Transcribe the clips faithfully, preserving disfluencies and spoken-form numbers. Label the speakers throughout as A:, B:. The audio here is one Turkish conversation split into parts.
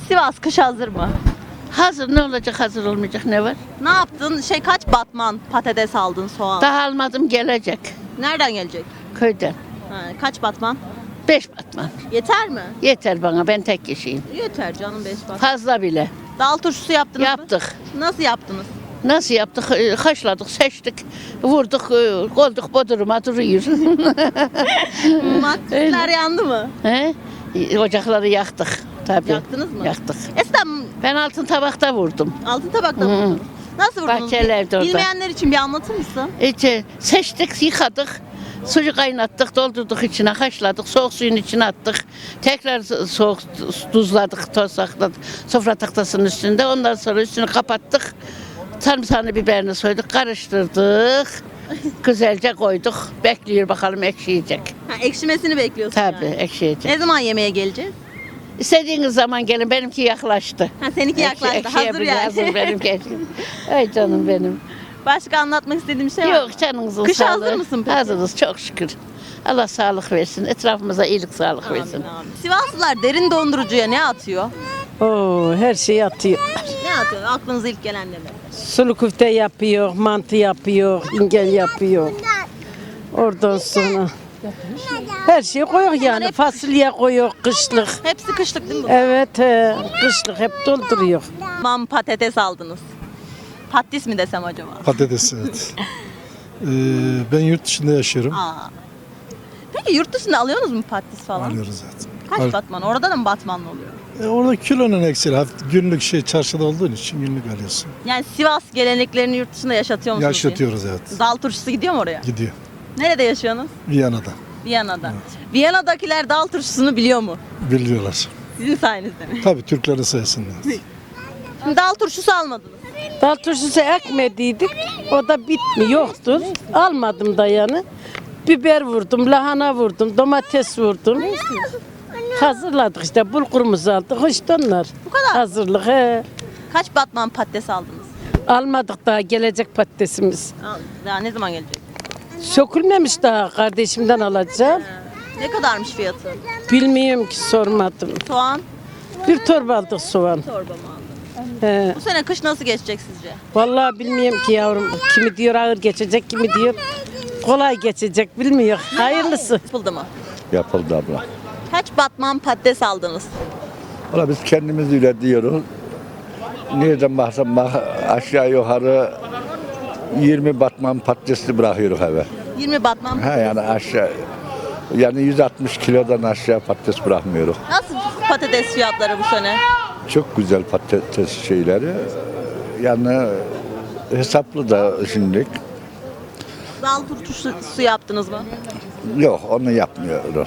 A: Sivas kış hazır mı?
B: Hazır, ne olacak, hazır olmayacak, ne var?
A: Ne yaptın? Şey kaç batman patates aldın, soğan?
B: Daha almadım, gelecek
A: Nereden gelecek?
B: köyden.
A: Ha, kaç batman?
B: Beş batman.
A: Yeter mi?
B: Yeter bana, ben tek kişiyim.
A: Yeter canım, beş batman.
B: Fazla bile.
A: Dal turşusu yaptınız mı?
B: Yaptık.
A: Nasıl yaptınız?
B: Nasıl yaptık? Ee, Haşladık, seçtik, vurduk, e, koyduk bodruma duruyor.
A: Maksatlar yandı mı?
B: He? E, Ocakları yaktık tabii.
A: Yaktınız mı?
B: Yaktık.
A: Eskiden
B: Ben altın tabakta vurdum.
A: altın tabakta
B: Hı.
A: mı vurdunuz? Nasıl vurdunuz?
B: Bahçelerde orada.
A: Bilmeyenler için bir anlatır mısın?
B: İşte seçtik, yıkadık. Suyu kaynattık, doldurduk içine, haşladık, soğuk suyun içine attık. Tekrar soğuk tuzladık, tozakladık sofra tahtasının üstünde. Ondan sonra üstünü kapattık. Sarımsağını, biberini soyduk, karıştırdık. Güzelce koyduk. Bekliyor bakalım ekşiyecek.
A: Ha, ekşimesini bekliyorsun
B: Tabii
A: yani.
B: ekşiyecek.
A: Ne zaman yemeğe geleceğiz?
B: İstediğiniz zaman gelin, benimki yaklaştı.
A: Ha, seninki yaklaştı.
B: Ekşi-
A: Hazır
B: ekşiye
A: yani.
B: Hazır benimki. Ay canım benim.
A: Başka anlatmak istediğim bir şey var mı?
B: Yok, canınızın
A: Kışa
B: sağlığı.
A: hazır mısın peki?
B: Hazırız çok şükür. Allah sağlık versin. Etrafımıza iyilik, sağlık
A: Amin,
B: versin.
A: amin. Sivaslılar derin dondurucuya ne atıyor?
C: Oo, her şeyi atıyor.
A: Ne atıyor? Aklınıza ilk gelen ne?
C: Sulu köfte yapıyor, mantı yapıyor, ingel yapıyor. Oradan sonra her şeyi koyuyor yani.
A: hep-
C: Fasulye koyuyor, kışlık.
A: Hepsi kışlık değil mi? bu?
C: Evet, he, kışlık hep dolduruyor.
A: Mam patates aldınız. Patis mi desem acaba?
D: Patates, evet. Ee, ben yurt dışında yaşıyorum.
A: Aa. Peki yurt dışında alıyorsunuz mu patis falan?
D: Alıyoruz zaten.
A: Kaç
D: Al-
A: batman? Orada da mı batmanlı oluyor?
D: E, orada kilonun eksili. hafif Günlük şey çarşıda olduğun için günlük alıyorsun.
A: Yani Sivas geleneklerini yurt dışında yaşatıyor musunuz?
D: Yaşatıyoruz, evet.
A: Dal turşusu gidiyor mu oraya?
D: Gidiyor.
A: Nerede yaşıyorsunuz?
D: Viyana'da.
A: Viyana'da. Viyana'dakiler dal turşusunu biliyor mu?
D: Biliyorlar.
A: Sizin sayenizde mi?
D: Tabii Türklerin sayesinde.
A: Şimdi dal turşusu almadınız.
C: Dal turşusu ekmediydik, o da bitmi yoktur. Almadım da yani. Biber vurdum, lahana vurdum, domates vurdum. Hazırladık işte, bulgurumuzu aldık, işte onlar.
A: Bu kadar.
C: Hazırlık, he.
A: Kaç batman patates aldınız?
C: Almadık daha, gelecek patatesimiz.
A: Al- Daha ne zaman gelecek?
C: Sökülmemiş daha, kardeşimden alacağım.
A: Ne kadarmış fiyatı?
C: Bilmiyorum ki, sormadım.
A: Soğan
C: Bir torba aldık soğan.
A: torba mı aldın?
C: He.
A: Bu sene kış nasıl geçecek sizce?
C: Vallahi bilmiyorum ki yavrum. Kimi diyor ağır geçecek, kimi diyor kolay geçecek, bilmiyor. Hayırlısı.
A: Yapıldı mı?
E: Yapıldı abla.
A: Kaç batman patates aldınız?
E: Valla biz kendimiz üretiyoruz. Nereden baksan bak aşağı yukarı yirmi batman patatesli bırakıyoruz eve.
A: yirmi batman.
E: Ha yani aşağı yani yüz altmış kilodan aşağı patates bırakmıyoruz.
A: Nasıl patates fiyatları bu sene?
E: Çok güzel patates şeyleri. Yani hesaplı da şimdilik.
A: Dal turşusu yaptınız mı?
E: Yok onu yapmıyoruz.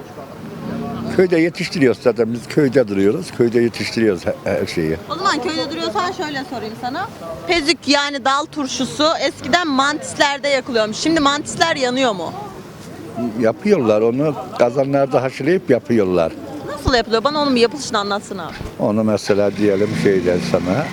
E: Köyde yetiştiriyoruz zaten biz köyde duruyoruz. Köyde yetiştiriyoruz he- her şeyi.
A: O zaman köyde duruyorsan şöyle sorayım sana. Pezük yani dal turşusu eskiden mantislerde yakılıyormuş. Şimdi mantisler yanıyor mu?
E: Yapıyorlar onu kazanlarda haşlayıp yapıyorlar.
A: Nasıl yapılıyor? Bana onun bir yapılışını anlatsana.
E: Onu mesela diyelim şeyden sana.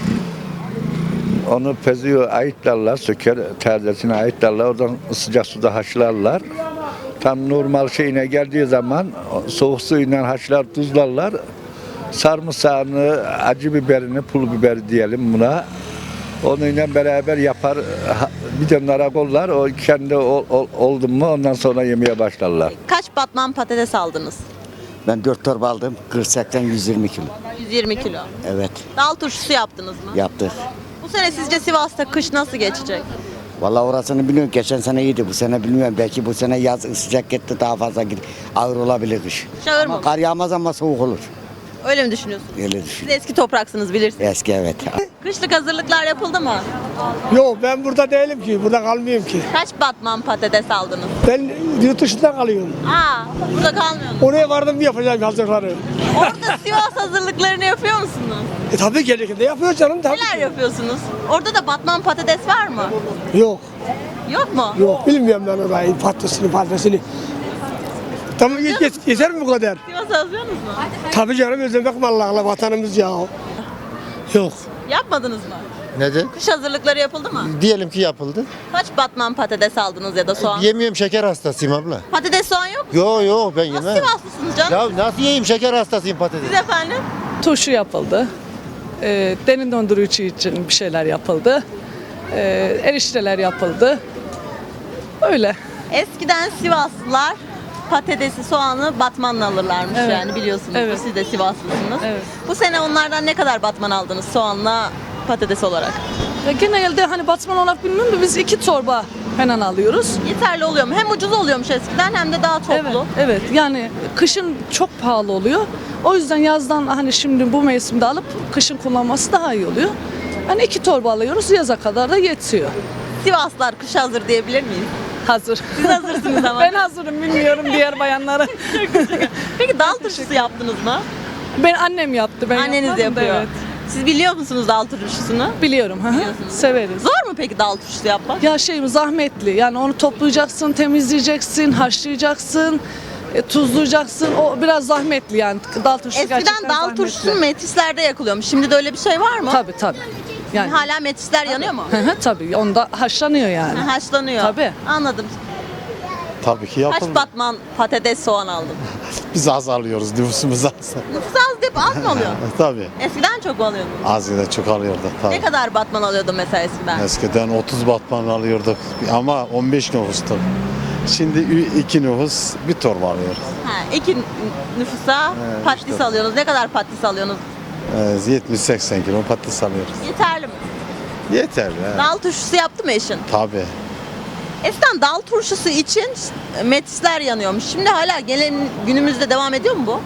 E: Onu peziyor ayıtlarlar, söker terzesine ayıtlarlar. Oradan sıcak suda haşlarlar. Tam normal şeyine geldiği zaman soğuk suyla haşlar, tuzlarlar. Sarımsağını, acı biberini, pul biber diyelim buna. Onunla beraber yapar, ha- bir de narakollar. O kendi ol, ol- oldu mu ondan sonra yemeye başlarlar.
A: Kaç batman patates aldınız?
F: Ben dört torba aldım. kırk seksen yüz yirmi kilo.
A: yüz yirmi kilo.
F: Evet,
A: Dal turşusu yaptınız mı?
F: yaptık.
A: Bu sene sizce Sivas'ta kış nasıl geçecek?
F: Vallahi orasını bilmiyorum. Geçen sene iyiydi. Bu sene bilmiyorum. Belki bu sene yaz sıcak gitti, daha fazla gitti. Ağır olabilir kış.
A: Şağır mı?
F: Ama kar yağmaz ama soğuk olur.
A: Öyle mi düşünüyorsunuz?
F: Öyle
A: Siz
F: düşün.
A: eski topraksınız bilirsiniz.
F: Eski evet.
A: Kışlık hazırlıklar yapıldı mı?
G: Yok ben burada değilim ki, burada kalmıyorum ki.
A: Kaç batman patates aldınız?
G: Ben yurt dışında kalıyorum.
A: Aa, burada kalmıyorsunuz.
G: Oraya vardım yapacağım hazırları.
A: Orada Sivas hazırlıklarını yapıyor musunuz?
G: E tabii gerekirse yapıyor canım tabii.
A: Neler yapıyorsunuz? Orada da batman patates var mı?
G: Yok,
A: Yok mu?
G: yok bilmiyorum ben orayı, patatesini patatesini. Tamam yet, yet, yeter mi bu kadar?
A: Sivas'ı özlüyorsunuz mu?
G: Tabii canım özlemek mi Allah'la vatanımız ya. Yok.
A: Yapmadınız mı?
H: Nedir?
A: Kış hazırlıkları yapıldı mı?
H: Diyelim ki yapıldı.
A: Kaç batman patates aldınız ya da soğan?
H: Yemiyorum, şeker hastasıyım abla.
A: Patates soğan yok mu?
H: Yo yo ben
A: Nasıl
H: yemem.
A: Sivaslısınız canım?
H: Ya nasıl yiyeyim, şeker hastasıyım patates.
A: Siz efendim?
I: turşu yapıldı. Ee, derin dondurucu için bir şeyler yapıldı. Ee, erişteler yapıldı. Öyle.
A: Eskiden Sivaslılar patatesi, soğanı batmanla alırlarmış
I: Evet.
A: yani biliyorsunuz.
I: Evet.
A: Siz de Sivaslısınız.
I: Evet.
A: Bu sene onlardan ne kadar batman aldınız soğanla patates olarak?
I: Ya genelde hani batman olarak bilmiyorum da biz iki torba hemen alıyoruz.
A: Yeterli oluyor mu? Hem ucuz oluyormuş eskiden hem de daha
I: Evet,
A: toplu.
I: evet. Yani kışın çok pahalı oluyor. O yüzden yazdan hani şimdi bu mevsimde alıp kışın kullanması daha iyi oluyor. Hani iki torba alıyoruz, yaza kadar da yetiyor.
A: Sivaslılar kış hazır diyebilir miyiz?
I: Hazır.
A: Siz hazırsınız ama.
I: Ben hazırım, bilmiyorum diğer bayanlara.
A: Peki dal turşusu yaptınız mı?
I: Ben annem yaptı. Ben
A: Anneniz
I: yapmadım da
A: yapıyor.
I: Evet.
A: Siz biliyor musunuz dal turşusunu?
I: Biliyorum. hı hı.
A: Biliyorsunuz.
I: Severiz.
A: Zor mu peki dal turşusu yapmak?
I: Ya şey zahmetli. Yani onu toplayacaksın, temizleyeceksin, haşlayacaksın, e, tuzlayacaksın. O biraz zahmetli yani. Dal turşusu
A: Eskiden
I: gerçekten
A: dal
I: zahmetli.
A: turşusu metislerde yakılıyormuş. Şimdi de öyle bir şey var mı?
I: Tabii tabii. Yani
A: Hala metisler yanıyor mu?
I: Hı hı, tabii. Onda haşlanıyor yani.
A: Ha, Haşlanıyor.
I: Tabii.
A: Anladım.
H: Tabii ki
A: Kaç
H: yapıldı.
A: batman patates soğan aldın?
H: Biz az alıyoruz, nüfusumuz az.
A: Nüfus az deyip az mı alıyorsun?
H: Tabii.
A: Eskiden çok mu alıyordun?
H: Az yine çok alıyorduk tabii.
A: Ne kadar batman alıyordun mesela eskiden?
H: Eskiden otuz batman alıyorduk ama on beş nüfustu. Şimdi ü- iki nüfus bir torba alıyoruz.
A: Ha, iki nüfusa
H: Evet,
A: patates
H: işte.
A: alıyorsunuz. Ne kadar patates alıyorsunuz?
H: Ee, yetmiş seksen kilo patates alıyoruz.
A: Yeterli mi?
H: Yeter ya.
A: Dal turşusu yaptı mı eşin?
H: Tabii.
A: Eskiden dal turşusu için metisler yanıyormuş. Şimdi hala gelen günümüzde devam ediyor mu bu?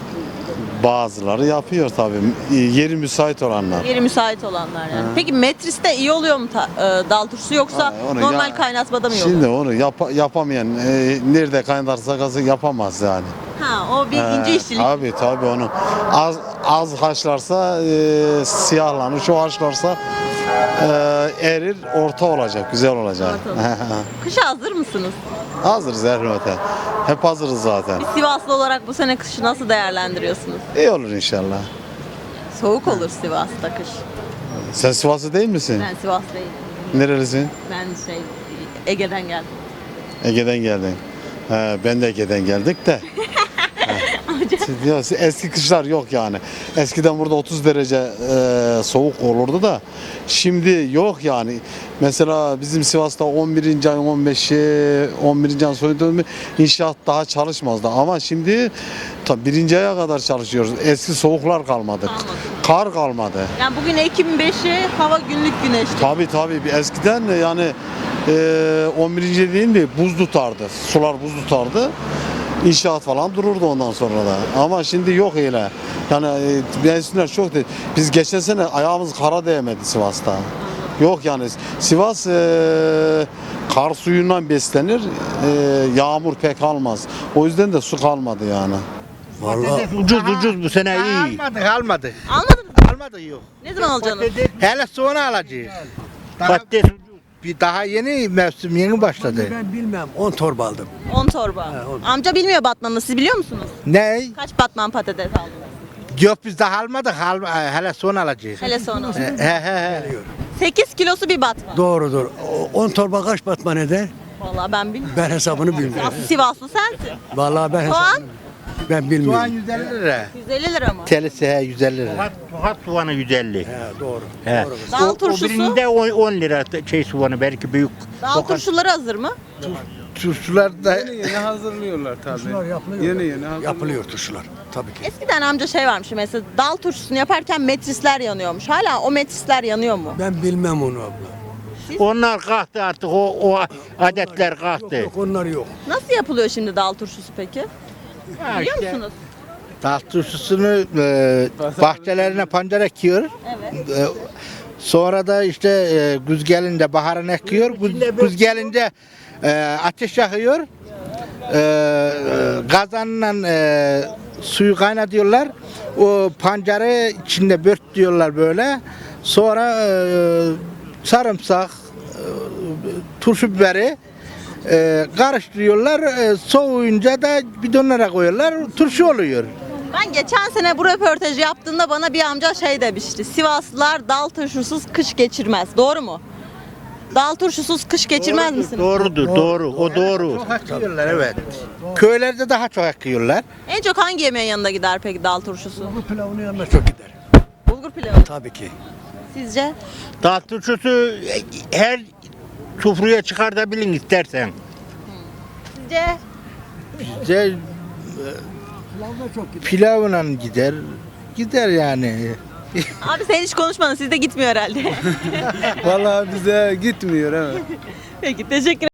H: Bazıları yapıyor tabii. Yeri müsait olanlar.
A: Yeri müsait olanlar yani. Peki metriste iyi oluyor mu ta- e, dal turşusu yoksa
H: Ha, onu
A: normal
H: ya-
A: kaynatmada mı iyi
H: Şimdi
A: oluyor?
H: onu yap- yapamayan e, nerede kaynarsa gazı yapamaz yani.
A: Ha, o bir ince
H: Ee,
A: işçilik.
H: Tabii tabii onu az az haşlarsa e, siyahlanır, çok haşlarsa e, erir, orta olacak, güzel olacak.
A: Kışa hazır mısınız?
H: Hazırız her öte. Hep hazırız zaten.
A: Bir Sivaslı olarak bu sene kışı nasıl değerlendiriyorsunuz?
H: İyi olur inşallah.
A: Soğuk olur Sivas'ta kış.
H: Sen Sivaslı değil misin?
A: Ben Sivas değilim.
H: Nerelisin?
A: Ben şey Ege'den geldim.
H: Ege'den geldin. He, ben de Ege'den geldik de. He. Ya, eski kışlar yok yani. Eskiden burada otuz derece e, soğuk olurdu da şimdi yok yani. Mesela bizim Sivas'ta on birinci ayın on beşi, on birinci ayın sonunda inşaat daha çalışmazdı. Ama şimdi tabii birinci aya kadar çalışıyoruz. Eski soğuklar kalmadı.
A: Kalmadı.
H: Kar kalmadı.
A: Yani bugün Ekim beşi hava günlük güneşli.
H: Tabii tabii. Bir eskiden de yani e, on birinci değil de buz tutardı. Sular buz tutardı. İnşaat falan dururdu ondan sonra da. Ama şimdi yok öyle. Yani e, mevsimler çok değil. Biz geçen sene ayağımız kara değmedi Sivas'ta. Yok yani Sivas e, kar suyundan beslenir. E, yağmur pek almaz. O yüzden de su kalmadı yani.
J: Vallahi ucuz ucuz bu sene iyi.
K: Almadık almadık.
A: Anladınız mı?
K: Almadık yok.
A: Ne zaman alacaksınız?
K: Hele sonra alacağız. Daha,
J: Patates ucuz.
K: bir daha yeni mevsim yeni başladı.
J: Ben bilmem on torba aldım.
A: on torba. Amca bilmiyor batmanını, siz biliyor musunuz?
K: Ne?
A: Kaç batman patates aldınız?
K: Yok biz daha almadık. Al, hele sonra alacağız.
A: Hele sonra.
K: He he he.
A: sekiz kilosu bir batman.
J: Doğrudur. on torba kaç batman eder?
A: Vallahi ben bilmiyorum.
J: Ben hesabını bilmiyorum.
A: Aslı Sivaslı sensin.
J: Vallahi ben
A: Soğan
J: hesabını ben
K: Soğan
J: bilmiyorum.
K: yüz elli lira.
A: yüz elli lira mı?
K: Telisi he yüz elli lira.
L: Tokat soğanı yüz elli.
J: He, doğru.
L: He.
J: Doğru.
A: Dal
L: O, o
A: turşusu.
L: birinde on, on lira şey soğanı belki büyük.
A: Dal
L: Tokat-
A: turşuları hazır mı?
K: Turşular da
D: Yeni hazırlıyorlar tabii.
J: Turşular yapılıyor.
D: Yeni yeni hazırlıyor.
J: Yapılıyor turşular. Tabii ki.
A: Eskiden amca şey varmış mesela dal turşusunu yaparken metrisler yanıyormuş. Hala o metrisler yanıyor mu?
J: Ben bilmem onu abla.
L: Onlar kalktı artık o, o adetler
J: Yok
L: kalktı.
J: yok onlar yok.
A: Nasıl yapılıyor şimdi dal turşusu peki?
L: Ha
A: Biliyor
L: işte.
A: musunuz?
K: dal turşusunu e, bahçelerine pancar ekiyor.
A: Evet.
K: E, sonra da işte e, güz gelince baharın ekiyor. Güz, güz gelince e, ateş yakıyor. E, kazanla e, suyu kaynatıyorlar. O pancarı içinde bört diyorlar böyle. Sonra e, sarımsak, e, turşu biberi e, karıştırıyorlar. E, soğuyunca da bidonlara koyuyorlar. Turşu oluyor.
A: Ben geçen sene bu röportajı yaptığımda bana bir amca şey demişti. Sivaslılar dal turşusuz kış geçirmez. Doğru mu? Dal turşusuz kış geçirmez misiniz?
L: Doğrudur, doğru. O doğru.
K: Çok akıyorlar evet. Köylerde daha çok akıyorlar.
A: En çok hangi yemeğin yanında gider peki dal turşusu?
J: Bu pilavının yanına çok gider.
A: bulgur pilavı.
J: Tabii ki.
A: Sizce?
L: Dağ turşusu her sofraya çıkartabilin istersen.
A: Sizce?
K: Bizde e, pilavla gider. Gider yani.
A: Abi sen hiç konuşmadın. Sizde gitmiyor herhalde.
K: Vallahi bize gitmiyor evet.
A: Peki teşekkür